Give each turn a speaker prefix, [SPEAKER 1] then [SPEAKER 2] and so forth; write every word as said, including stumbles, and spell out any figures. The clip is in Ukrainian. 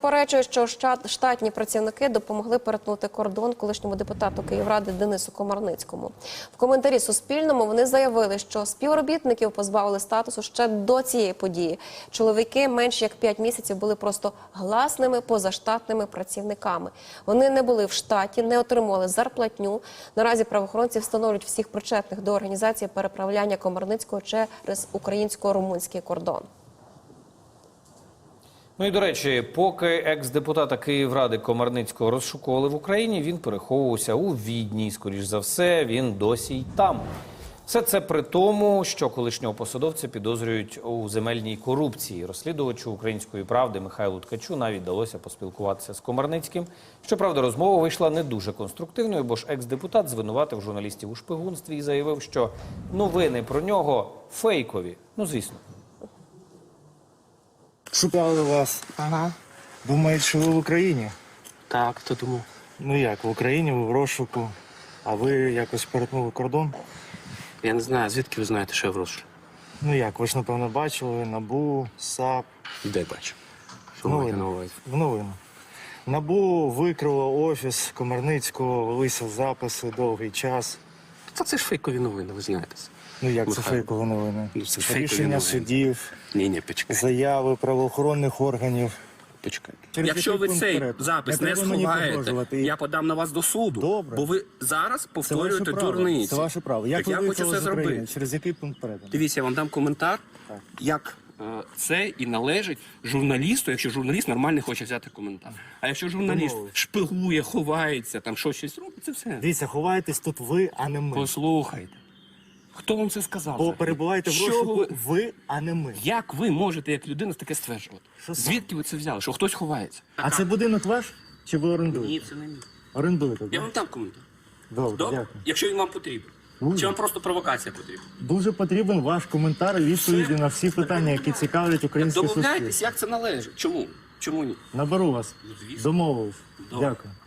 [SPEAKER 1] Заперечує, що штатні працівники допомогли перетнути кордон колишньому депутату Київради Денису Комарницькому. В коментарі Суспільному вони заявили, що співробітників позбавили статусу ще до цієї події. Чоловіки менш як п'ять місяців були просто гласними позаштатними працівниками. Вони не були в штаті, не отримували зарплатню. Наразі правоохоронці встановлюють всіх причетних до організації переправляння Комарницького через українсько-румунський кордон.
[SPEAKER 2] Ну і, до речі, поки екс-депутата Київради Комарницького розшукували в Україні, він переховувався у Відні. І, скоріш за все, він досі й там. Все це при тому, що колишнього посадовця підозрюють у земельній корупції. Розслідувачу «Української правди» Михайлу Ткачу навіть вдалося поспілкуватися з Комарницьким. Щоправда, розмова вийшла не дуже конструктивною, бо ж екс-депутат звинуватив журналістів у шпигунстві і заявив, що новини про нього фейкові. Ну, звісно.
[SPEAKER 3] Шукали вас.
[SPEAKER 4] Ага.
[SPEAKER 3] Думають, що ви в Україні?
[SPEAKER 4] Так, хто думав?
[SPEAKER 3] Ну як, в Україні, ви в розшуку. А ви якось перетнули кордон?
[SPEAKER 4] Я не знаю, звідки ви знаєте, що я в розшуку?
[SPEAKER 3] Ну як, ви ж, напевно, бачили НАБУ, САП.
[SPEAKER 4] Де бачу? Що
[SPEAKER 3] В
[SPEAKER 4] маєте на
[SPEAKER 3] новину.
[SPEAKER 4] увазі?
[SPEAKER 3] В новину. НАБУ викрило офіс Комарницького, велися записи довгий час.
[SPEAKER 4] Та це ж фейкові новини, ви знаєте.
[SPEAKER 3] Ну як це
[SPEAKER 4] Михайло.
[SPEAKER 3] фейкові новини?
[SPEAKER 4] Ну, це фейкові
[SPEAKER 3] Рішення
[SPEAKER 4] новини.
[SPEAKER 3] судів,
[SPEAKER 4] Ні, ні, почекайте.
[SPEAKER 3] заяви правоохоронних органів.
[SPEAKER 4] Почекайте.
[SPEAKER 3] Через
[SPEAKER 4] Якщо
[SPEAKER 3] який
[SPEAKER 4] ви
[SPEAKER 3] пункт
[SPEAKER 4] цей
[SPEAKER 3] вперед?
[SPEAKER 4] запис
[SPEAKER 3] Не
[SPEAKER 4] не,
[SPEAKER 3] треба мені
[SPEAKER 4] сховаєте,
[SPEAKER 3] погрожувати.
[SPEAKER 4] я подам на вас до суду.
[SPEAKER 3] Добре.
[SPEAKER 4] Бо ви зараз
[SPEAKER 3] Це ваше
[SPEAKER 4] повторюєте
[SPEAKER 3] право.
[SPEAKER 4] дурниці.
[SPEAKER 3] Це ваше право. Як
[SPEAKER 4] Так
[SPEAKER 3] ви
[SPEAKER 4] я хочу
[SPEAKER 3] виїхали
[SPEAKER 4] це
[SPEAKER 3] з України?
[SPEAKER 4] зробити.
[SPEAKER 3] Через який пункт передану?
[SPEAKER 4] Дивіться, я вам дам коментар,
[SPEAKER 3] Так.
[SPEAKER 4] як е, це і належить журналісту, якщо журналіст нормально хоче взяти коментар. А якщо журналіст
[SPEAKER 3] Домовились.
[SPEAKER 4] шпигує, ховається, там щось щось робить, це все.
[SPEAKER 3] Дивіться, ховаєтесь тут ви, а не ми.
[SPEAKER 4] Послухайте. Хто вам це сказав?
[SPEAKER 3] Бо
[SPEAKER 4] взагалі?
[SPEAKER 3] перебуваєте в
[SPEAKER 4] Що
[SPEAKER 3] розшуку
[SPEAKER 4] ви-
[SPEAKER 3] ви, а не ми.
[SPEAKER 4] Як ви можете, як людина, таке стверджувати?
[SPEAKER 3] Що саме?
[SPEAKER 4] Звідки ви це взяли? Що хтось ховається?
[SPEAKER 3] А це будинок ваш? Чи ви орендуєте?
[SPEAKER 4] Ні, це не мій.
[SPEAKER 3] Орендуєте,
[SPEAKER 4] Я
[SPEAKER 3] так?
[SPEAKER 4] вам дам коментар.
[SPEAKER 3] Добре,
[SPEAKER 4] Добре?
[SPEAKER 3] дякую.
[SPEAKER 4] Якщо він вам потрібен.
[SPEAKER 3] Дуже.
[SPEAKER 4] Чи вам просто провокація потрібна?
[SPEAKER 3] Дуже потрібен ваш коментар і відповіді на всі питання, які цікавлять українське суспільство.
[SPEAKER 4] Домовляйтесь, як це належить. Чому? Чому ні?
[SPEAKER 3] Наберу вас.
[SPEAKER 4] звісно.
[SPEAKER 3] Домовились.
[SPEAKER 4] Добре.
[SPEAKER 3] Дякую.